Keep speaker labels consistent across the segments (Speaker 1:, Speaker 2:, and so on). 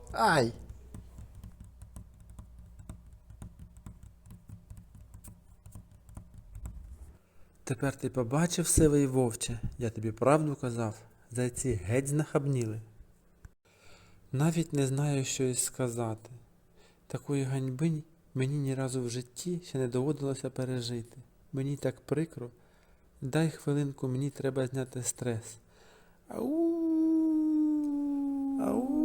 Speaker 1: Ай! Тепер ти побачив, сивий вовче, я тобі правду казав, зайці геть знахабніли. Навіть не знаю, що й сказати. Такої ганьби мені ні разу в житті ще не доводилося пережити. Мені так прикро. Дай хвилинку, мені треба зняти стрес. Ау! Ау!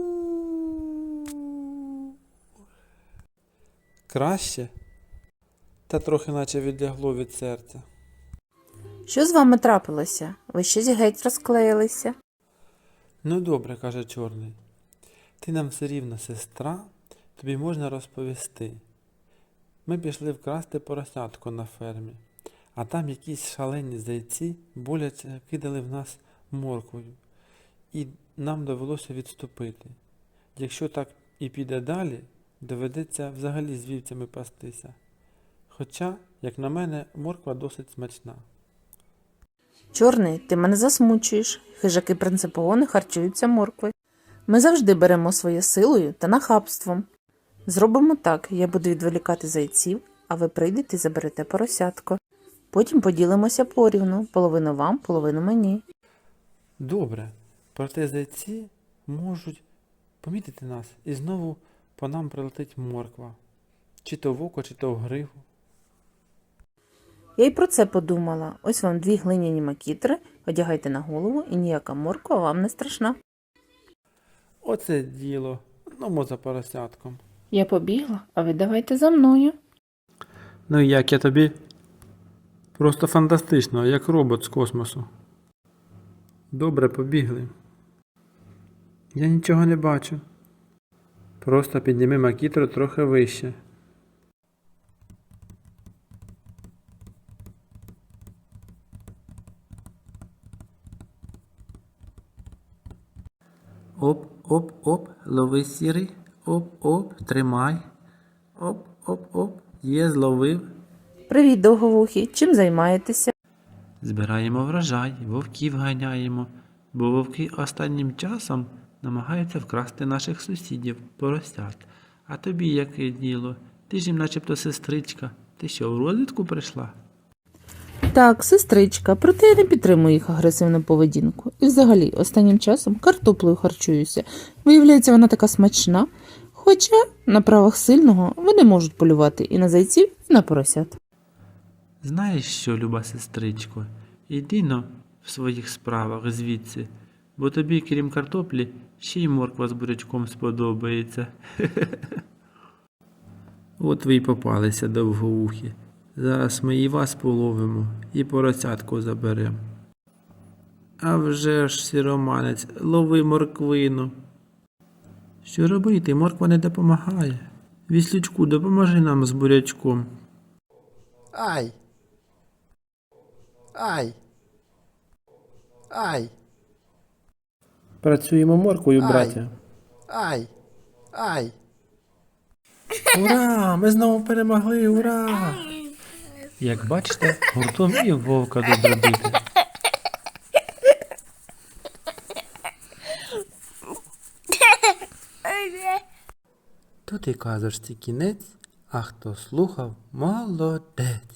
Speaker 1: Краще? Та трохи наче відлягло від серця.
Speaker 2: Що з вами трапилося? Ви щось геть розклеїлися?
Speaker 1: Ну добре, каже Чорний. Ти нам все рівно сестра, тобі можна розповісти. Ми пішли вкрасти поросятко на фермі, а там якісь шалені зайці боляче кидали в нас морквою, і нам довелося відступити. Якщо так і піде далі, доведеться взагалі з вівцями пастися. Хоча, як на мене, морква досить смачна.
Speaker 2: Чорний, ти мене засмучуєш. Хижаки принципово не харчуються моркви. Ми завжди беремо своє силою та нахабством. Зробимо так, я буду відволікати зайців, а ви прийдете і заберете поросятко. Потім поділимося порівну, половину вам, половину мені.
Speaker 1: Добре, проте зайці можуть помітити нас і знову по нам прилетить морква. Чи то в око, чи то в гриву.
Speaker 2: Я й про це подумала. Ось вам 2 глиняні макітри, одягайте на голову і ніяка морква вам не страшна.
Speaker 1: Оце діло. Ну, за поросятком.
Speaker 2: Я побігла, а ви давайте за мною.
Speaker 1: Ну і як я тобі? Просто фантастично, як робот з космосу. Добре, побігли. Я нічого не бачу. Просто підніми макітру трохи вище. Оп, лови сірий. Оп, тримай. Оп, є, зловив.
Speaker 2: Привіт, довговухі, чим займаєтеся?
Speaker 1: Збираємо врожай, вовків ганяємо, бо вовки останнім часом намагаються вкрасти наших сусідів, поросят. А тобі яке діло? Ти ж їм начебто сестричка. Ти що, в розвідку прийшла?
Speaker 2: Так, сестричка, проте я не підтримую їх агресивну поведінку. І взагалі, останнім часом картоплею харчуюся. Виявляється, вона така смачна. Хоча на правах сильного вони можуть полювати і на зайців, і на поросят.
Speaker 1: Знаєш що, люба сестричко, іди-но в своїх справах звідси, бо тобі, крім картоплі, ще й морква з бурячком сподобається. От ви й попалися, довгоухі. Зараз ми і вас половимо, і поросятку заберемо. А вже ж, сіроманець, лови морквину. Що робити? Морква не допомагає. Віслючку, допоможи нам з бурячком. Ай! Ай! Ай! Працюємо морквою, браття. Ай! Ай! Ура! Ми знову перемогли! Ура! Як бачите, гуртом і вовка добре бити. Тут і казочці кінець, а хто слухав, молодець.